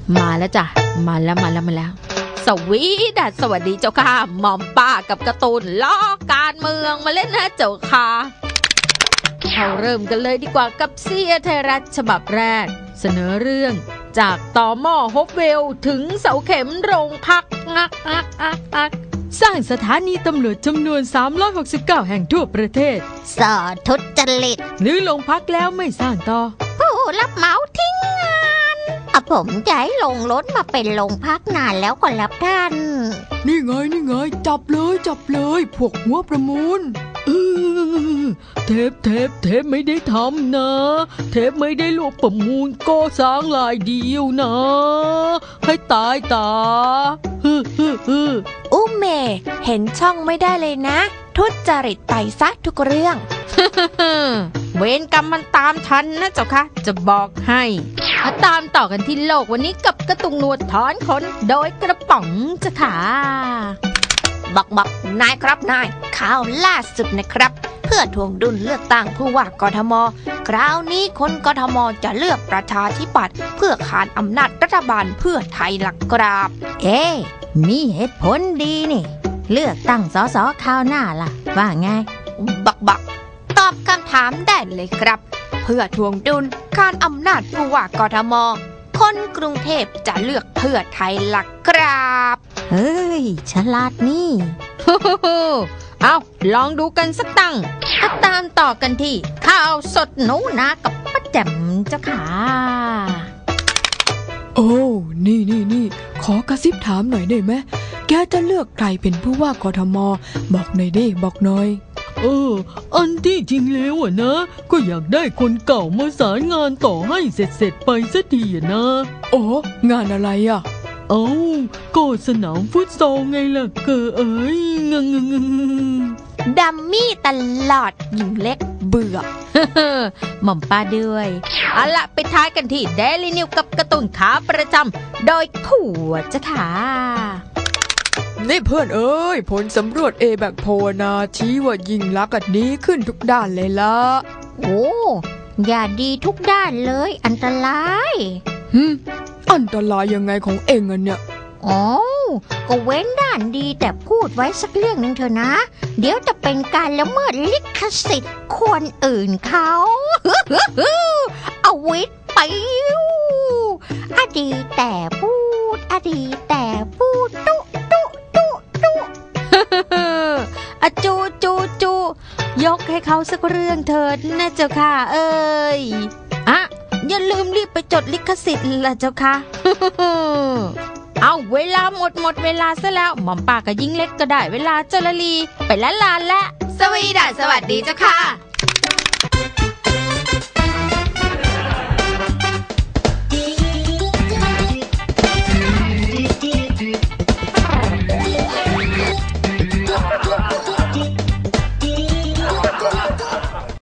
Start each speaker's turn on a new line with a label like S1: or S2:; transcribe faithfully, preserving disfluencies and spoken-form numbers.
S1: มาแล้วจ้ะมาแล้วมาแล้วมาแล้วสวีดัสสวัสดีเจ้าค่ะหม่อมป้ากับการ์ตูนล้อการเมืองมาเล่นนะเจ้าค่ะเราเริ่มกันเลยดีกว่ากับเสียไทยรัฐฉบับแรกเสนอเรื่องจากต่อหม้อฮบเวลถึงเสาเข็มโรงพักงักงักงักงักสร้างสถานีตำรวจจำนวนสามร้อยหกสิบเก้าแห่งทั่วประเทศ
S2: สอทุจริต
S1: หรือโรงพักแล้วไม่สร้างต่อ
S2: ผู้รับเหมาทิ้งงานอะผมจะให้ลงรถมาเป็นโรงพักนานแล้วก็รับท่าน
S3: นี่ไงนี่ไงจับเลยจับเลยพวกหัวประมูลเทปเทปเทปไม่ได้ทำนะเทปไม่ได้ลวกประมูลก็สร้างลายเดียวนะให้ตายตาฮึฮึฮึ
S4: อุ้มเมเห็นช่องไม่ได้เลยนะทุจริตไปซะทุกเรื่อง
S1: เวรกรรมมันตามทันนะเจ้าค่ะจะบอกให้มาตามต่อกันที่โลกวันนี้กับกระตุงหนวดถอนขนโดยกระป๋องจ้ะค่ะ
S4: บักบักนายครับนายข่าวล่าสุดนะครับเพื่อทวงดุลเลือกตั้งผู้ว่ากทมคราวนี้คนกทมจะเลือกประชาธิปัตย์เพื่อขานอำนาจรัฐบาลเพื่อไทยหลักกราบ
S2: เอ๊มีเหตุผลดีนี่เลือกตั้งสสคราวหน้าล่ะว่าไง
S4: บักบักตอบคำถามได้เลยครับเพื่อทวงดุลการอำนาจผู้ว่ากทมคนกรุงเทพจะเลือกเพื่อไทยหลักกราบ
S2: เฮ้ยฉลาดนี่
S1: เอาลองดูกันสักตั้งตามต่อกันที่ข่าวสดหนูนากับป้าแจ่มเจ้าค่ะ
S3: โอ้นี่นี่นี่ขอกระซิบถามหน่อยได้ไหมแกจะเลือกใครเป็นผู้ว่ากทมบอกหน่อยดิบอกหน่อยเอออันที่จริงแล้วอ่ะนะก็อยากได้คนเก่ามาสารงานต่อให้เสร็จเสร็จไปสักทีอ่ะนะอ๋องานอะไรอ่ะเอ้าก็สนามฟุตซอลไงล่ะเกอเอ้ยงงงง
S4: ดัมมี่ตลอดหญิงเล็กเบื่อ
S1: หม่อมป้าด้วยเอาละไปท้ายกันที่เดลี่นิวกับการ์ตูนขาประจำโดยผัวจ้ะค่ะ
S3: นี่เพื่อนเอ้ยผลสำรวจเอแบกโพนาชี้ว่ายิ่งลักษณ์ดีขึ้นทุกด้านเลยละ
S2: โอ้อย่าดีทุกด้านเลยอันตราย
S3: ฮึอันตรายยังไงของเองอ่ะเนี่ย
S2: อ๋อก็เว้นด้านดีแต่พูดไว้สักเรื่องหนึ่งเถอะนะเดี๋ยวจะเป็นการละเมิดลิขสิทธิ์คนอื่นเขาเอาวิทย์ไปอดีแต่พูดอดีแต่พูดตุตุตุตุ
S1: อะจูจูจูยกให้เขาสักเรื่องเถิดนะเจ้าค่ะเอ้ยอะอย่าลืมรีบไปจดลิขสิทธิ์ล่ะเจ้าค่ะเอาเวลาหมดหมดเวลาซะแล้วหม่อมป้ากับยิ่งเล็กก็ได้เวลาเจรลีไปละลานละ
S4: สวีดัสสวัสดีเจ้าค่ะ